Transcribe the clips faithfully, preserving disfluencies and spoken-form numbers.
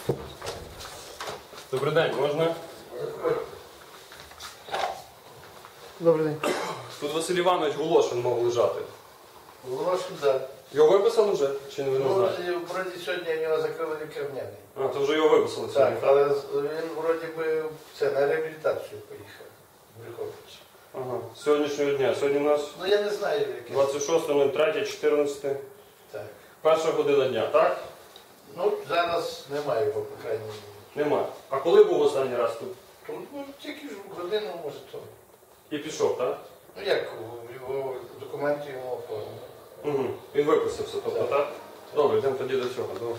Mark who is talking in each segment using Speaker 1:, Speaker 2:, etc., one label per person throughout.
Speaker 1: Добрий день, можна?
Speaker 2: Добрий день.
Speaker 1: Тут Василь Іванович Волошин мав лежати.
Speaker 2: Волошин, так.
Speaker 1: Його виписали вже? Чи не ви не
Speaker 2: Ну,
Speaker 1: знаєте?
Speaker 2: вроді сьогодні у нього закрили лікарняний.
Speaker 1: А, то вже його виписали
Speaker 2: Так,
Speaker 1: сьогодні.
Speaker 2: але він вроді би це, на реабілітацію поїхав. в Брюхович.
Speaker 1: Ага. З сьогоднішнього дня. Сьогодні у нас
Speaker 2: Ну я не знаю, яке.
Speaker 1: двадцять шосте третє чотирнадцяте.
Speaker 2: Так.
Speaker 1: Перша година дня, так?
Speaker 2: Ну, зараз немає його, по крайній мірі.
Speaker 1: Нема. А коли був останній раз тут?
Speaker 2: Тут, ну, тільки ж годину, може, то.
Speaker 1: І пішов, так?
Speaker 2: Ну як, його документи йому оформили.
Speaker 1: Угу. Він виписався, тобто,
Speaker 2: Так.
Speaker 1: так? Добре, йдемо тоді до цього. До...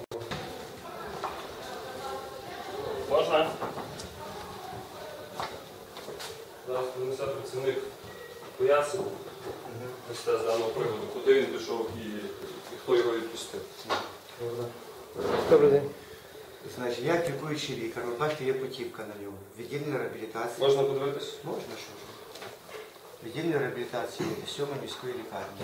Speaker 1: Можна? Зараз принесе працівник пояснення з даного приводу, куди він пішов і, і хто його відпустив.
Speaker 2: Добрий день.
Speaker 3: Значить, я лікуючий лікар, ви бачите, є путівка на нього. Відділення реабілітації.
Speaker 1: Можна подивитись?
Speaker 3: Можна, що ж. Відділення реабілітації сьомої міської лікарні.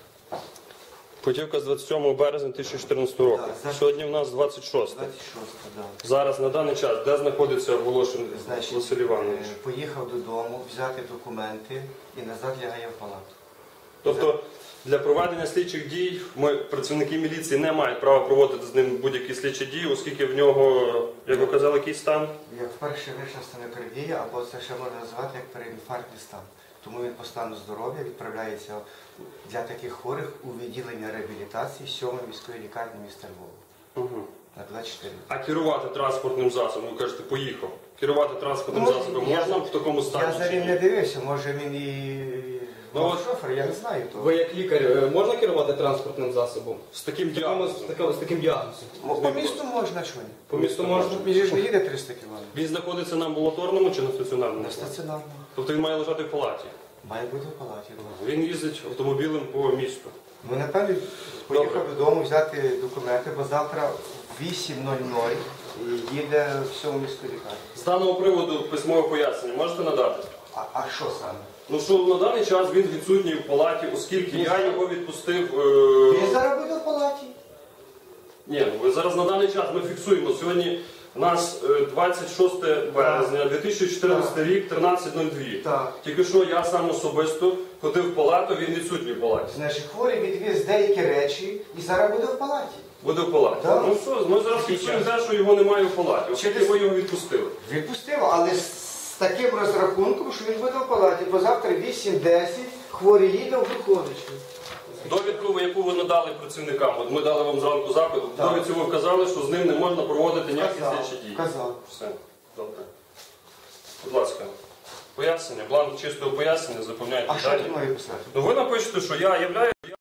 Speaker 1: Путівка з двадцять сьомого березня дві тисячі чотирнадцятого року.
Speaker 3: Так, зараз-
Speaker 1: Сьогодні в нас двадцять шосте.
Speaker 3: двадцять шосте, так.
Speaker 1: Зараз, на даний час, де знаходиться Волошин
Speaker 3: Значить,
Speaker 1: Василь Іванович?
Speaker 3: е, поїхав додому, взяти документи і назад лягає в палату.
Speaker 1: Тобто для проведення слідчих дій ми, працівники міліції, не мають права проводити з ним будь-які слідчі дії, оскільки в нього, як ви казали, який стан?
Speaker 3: Як вперше вийшла стенокардія, або це ще можна назвати як переінфарктний стан. Тому він по стану здоров'я відправляється для таких хворих у відділення реабілітації сьомої міської лікарні міста Львова.
Speaker 1: Угу.
Speaker 3: На двадцять чотири.
Speaker 1: А керувати транспортним засобом, ви кажете, поїхав. Керувати транспортним
Speaker 3: Ну,
Speaker 1: засобом
Speaker 3: я-
Speaker 1: можна в такому стані?
Speaker 3: Я за
Speaker 1: чи
Speaker 3: ним
Speaker 1: ні?
Speaker 3: не дивився, може він і
Speaker 1: Ну,
Speaker 3: був
Speaker 1: от-
Speaker 3: шофер, я не знаю того.
Speaker 4: Ви як лікар е, можна керувати транспортним засобом?
Speaker 1: З таким
Speaker 4: З такому-
Speaker 1: діагнозом.
Speaker 4: з таким, з таким діагнозом.
Speaker 3: По, по місту можна що ні?
Speaker 4: По місту можна?
Speaker 3: Він же ж не їде триста кілометрів.
Speaker 1: Він знаходиться на амбулаторному чи на стаціонарному?
Speaker 3: На стаціонарному.
Speaker 1: Тобто він має лежати в палаті.
Speaker 3: Має бути в палаті.
Speaker 1: Він їздить автомобілем по місту.
Speaker 3: Ну, напевно, поїхав
Speaker 1: Добре.
Speaker 3: додому взяти документи, бо завтра в вісім нуль нуль їде в сьому міську лікарню.
Speaker 1: З даного приводу письмове пояснення можете надати?
Speaker 3: А, а що саме?
Speaker 1: Ну що на даний час він відсутній в палаті, оскільки я його відпустив.
Speaker 3: Він
Speaker 1: Е...
Speaker 3: зараз буде в палаті.
Speaker 1: Ні, ну ви зараз на даний час ми фіксуємо. Сьогодні у нас е, двадцять шосте березня дві тисячі чотирнадцятий рік, тринадцять нуль два.
Speaker 3: Так.
Speaker 1: Тільки що я сам особисто ходив в палату, він відсутній в палаті.
Speaker 3: Значить, хворий відвіз деякі речі і зараз буде в палаті.
Speaker 1: Буде в палаті.
Speaker 3: Так.
Speaker 1: Ну що, ми зараз фіксуємо те, що його немає в палаті, оскільки
Speaker 3: Через-
Speaker 1: ми його відпустили.
Speaker 3: Відпустив, але з таким розрахунком, що він буде в палаті, бо завтра вісім десять хворий їде в Брюховичі.
Speaker 1: Довідку, яку ви надали працівникам, от ми дали вам зранку запит, в
Speaker 3: Так.
Speaker 1: довідці ви вказали, що з ним не можна проводити ніякі слідчі дії.
Speaker 3: Казав.
Speaker 1: Все, добре. Будь ласка, пояснення, бланк чистого пояснення, заповняйте
Speaker 3: А що
Speaker 1: далі.
Speaker 3: ти маю писати?
Speaker 1: Ну ви напишете, що я являю.